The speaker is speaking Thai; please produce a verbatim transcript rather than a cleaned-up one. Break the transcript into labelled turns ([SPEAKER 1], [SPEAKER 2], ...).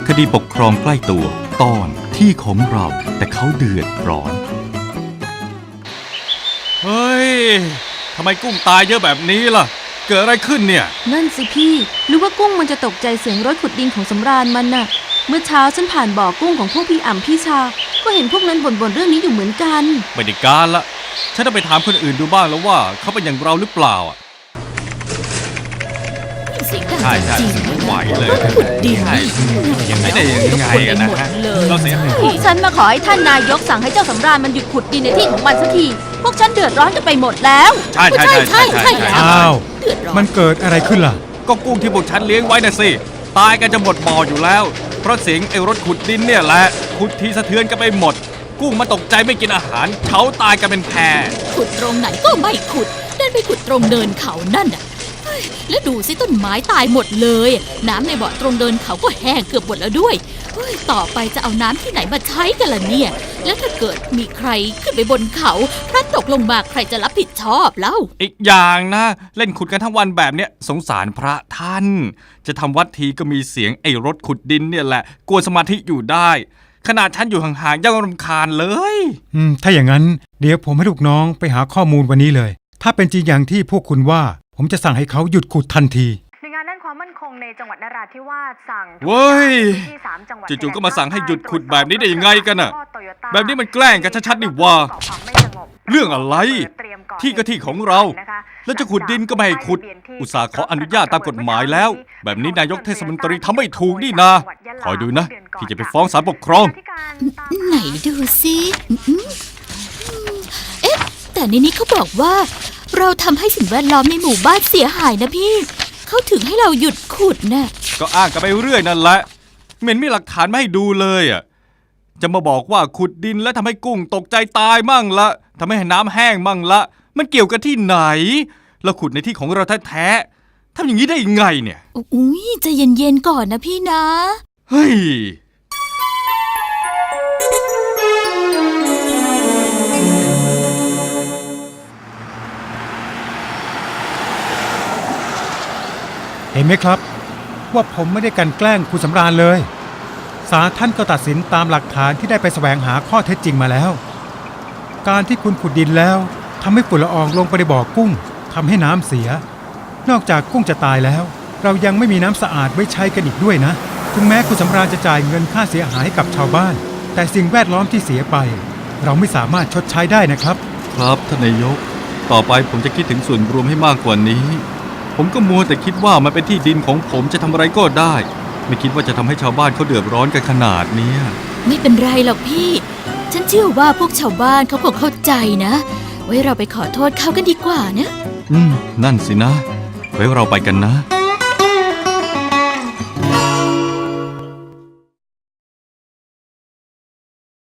[SPEAKER 1] คดีปกครองใกล้ตัวตอนที่ของเราแต่เขาเดือดร้อนเฮ้ยทำไมกุ้งตายเยอะแบบนี้ล่ะเกิดอะไรขึ้นเนี่ย
[SPEAKER 2] นั่นสิพี่หรือว่ากุ้งมันจะตกใจเสียงรถขุดดินของสำราญมันน่ะเมื่อเช้าฉันผ่านบ่อกุ้งของพวกพี่อ่ำพี่ชาก็เห็นพวกนั้นบ่นๆเรื่องนี้อยู่เหมือนกัน
[SPEAKER 1] ไม่ได้การละฉันต้องไปถามคนอื่นดูบ้างแล้วว่าเขาเป็นอย่างเราหรือเปล่าอ่ะใช่ใช่ไหวเลย
[SPEAKER 3] ดี
[SPEAKER 1] ใช่ยังไงได้ยังไงกันนะฮะเราเสีย
[SPEAKER 2] พวกฉันมาขอให้ท่านนายกสั่งให้เจ้าสำราญมันหยุดขุดดินในที่ของมันสักทีพวกฉันเดือดร้อนกันไปหมดแล้ว
[SPEAKER 1] ใช่ใช่ใช่ใช่
[SPEAKER 4] อ้าวมันเกิดอะไรขึ้นล่ะ
[SPEAKER 1] ก็กุ้งที่พวกฉันเลี้ยงไว้น่ะสิตายกันจะหมดบ่ออยู่แล้วเพราะเสียงไอ้รถขุดดินเนี่ยแหละขุดทีสะเทือนกันไปหมดกุ้งมาตกใจไม่กินอาหารเขาตายกันเป็นแพ
[SPEAKER 3] ขุดตรงไหนก็ไม่ขุดเดินไปขุดตรงเนินเขานั่นน่ะแล้วดูสิต้นไม้ตายหมดเลยน้ำในบ่อตรงเดินเขาก็แห้งเกือบหมดแล้วด้วยต่อไปจะเอาน้ำที่ไหนมาใช้กันล่ะเนี่ยแล้วถ้าเกิดมีใครขึ้นไปบนเขาพลัดตกลงมาใครจะรับผิดชอบเล่า
[SPEAKER 1] อีกอย่างนะเล่นขุดกันทั้งวันแบบเนี้ยสงสารพระท่านจะทำวัดทีก็มีเสียงไอ้รถขุดดินเนี่ยแหละกวนสมาธิอยู่ได้ขนาดฉันอยู่ห่างๆยังรำคาญเลย
[SPEAKER 4] อืมถ้าอย่างนั้นเดี๋ยวผมให้ลูกน้องไปหาข้อมูลวันนี้เลยถ้าเป็นจริงอย่างที่พวกคุณว่าผมจะสั่งให้เขาหยุดขุดทันที
[SPEAKER 5] หน่วยงานด้านความมั่นคงในจังหวัดนราธิวาสสั่ง
[SPEAKER 1] เว้ยจู่ๆก็มาสั่งให้หยุดขุดแบบนี้ได้ยังไงกันน่ะแบบนี้มันแกล้งกันชัดๆนี่ว่าเรื่องอะไรที่ก็ที่ของเราแล้วจะขุดดินก็ไม่ให้ขุดอุตส่าห์ขออนุญาตตามกฎหมายแล้วแบบนี้นายกเทศมนตรีทำไม่ถูกนี่นาคอยดูนะที่จะไปฟ้องศาลปกครอง
[SPEAKER 3] ไหนดูสิเอ๊ะแต่ในนี้เขาบอกว่าเราทำให้สิ่งแวดล้อมในหมู่บ้านเสียหายนะพี่เขาถึงให้เราหยุดขุดนะ
[SPEAKER 1] ก็อ้างกันไปเรื่อยนั่นแหละเหม็นมีหลักฐานไม่ให้ดูเลยอ่ะจะมาบอกว่าขุดดินแล้วทำให้กุ้งตกใจตายมั่งละทำให้น้ำแห้งมั่งละมันเกี่ยวกันที่ไหนเราขุดในที่ของเราแท้ๆทำอย่างนี้ได้ยังไงเนี่ย
[SPEAKER 3] อุ้ยใจเย็นๆก่อนนะพี่นะ
[SPEAKER 1] เฮ้ย
[SPEAKER 4] เห็นไหมครับว่าผมไม่ได้กันแกล้งคุณสำราญเลยศาลท่านก็ตัดสินตามหลักฐานที่ได้ไปแสวงหาข้อเท็จจริงมาแล้วการที่คุณขุดดินแล้วทำให้ฝุ่นละอองลงไปในบ่อกุ้งทำให้น้ำเสียนอกจากกุ้งจะตายแล้วเรายังไม่มีน้ำสะอาดไว้ใช้กันอีกด้วยนะถึงแม้คุณสำราญจะจ่ายเงินค่าเสียหายให้กับชาวบ้านแต่สิ่งแวดล้อมที่เสียไปเราไม่สามารถชดใช้ได้นะครับ
[SPEAKER 1] ครับท่านนายกต่อไปผมจะคิดถึงส่วนรวมให้มากกว่านี้ผมก็มัวแต่คิดว่ามันเป็นที่ดินของผมจะทำอะไรก็ได้ไม่คิดว่าจะทำให้ชาวบ้านเขาเดือดร้อนกันขนาดนี้
[SPEAKER 3] ไม่เป็นไรหรอกพี่ฉันเชื่อว่าพวกชาวบ้านเขาคงเข้าใจนะไว้เราไปขอโทษเขากันดีกว่านะ
[SPEAKER 1] อืมนั่นสินะไว้เราไปกันนะ